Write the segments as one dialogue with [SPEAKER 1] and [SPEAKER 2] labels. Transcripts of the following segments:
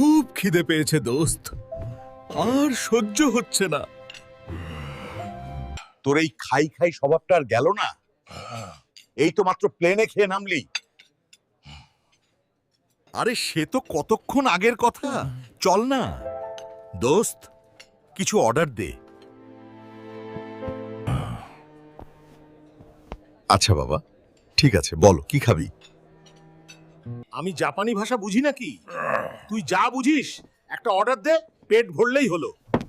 [SPEAKER 1] খুব খিদে পেয়েছে দোস্ত, আর সহ্য হচ্ছে না।
[SPEAKER 2] তোর এই খাই খাই স্বভাবটা আর গেল না? এই তো মাত্র প্লেনে খেয়ে নামলি।
[SPEAKER 1] আরে সে তো কতক্ষণ আগের কথা। চল না দোস্ত, কিছু অর্ডার দে। আচ্ছা বাবা, ঠিক আছে, বলো কি খাবি?
[SPEAKER 3] আমি জাপানি ভাষা বুঝি নাকি? তুই যা বুঝিস একটা অর্ডার দে, পেট ভরলেই হলো।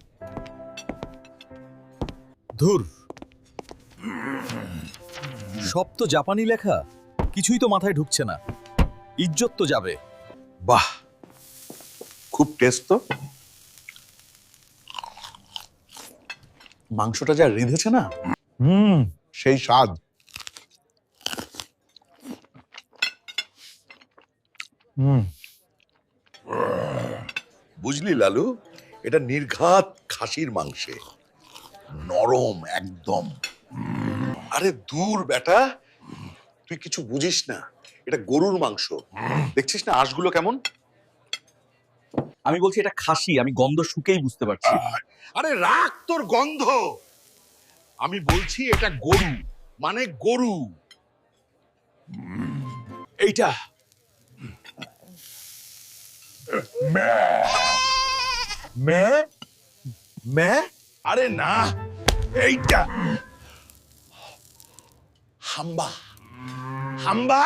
[SPEAKER 1] ধুর, সব তো জাপানি লেখা, কিছুই তো মাথায় ঢুকছে না। ইজ্জত তো যাবে।
[SPEAKER 2] বাহ, খুব টেস্ট তো। মাংসটা যা রিধেছে না, সেই স্বাদ। বুঝলি লালু, এটা নির্ঘাত খাসির মাংসে, নরম একদম। আরে দূর বেটা, তুই কিছু বুঝিস না, এটা গরুর মাংস। দেখছিস না আঁশগুলো কেমন?
[SPEAKER 4] আমি বলছি এটা খাসি, আমি গন্ধ শুকেই বুঝতে পারছি।
[SPEAKER 2] আরে রাখ তোর গন্ধ, আমি বলছি এটা গরু, মানে গরু। এইটা মে, আরে না, এইটা হাম্বা, হাম্বা।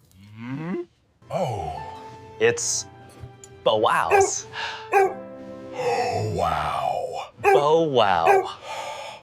[SPEAKER 4] It's Bowows.
[SPEAKER 2] Wow.
[SPEAKER 4] Bowow.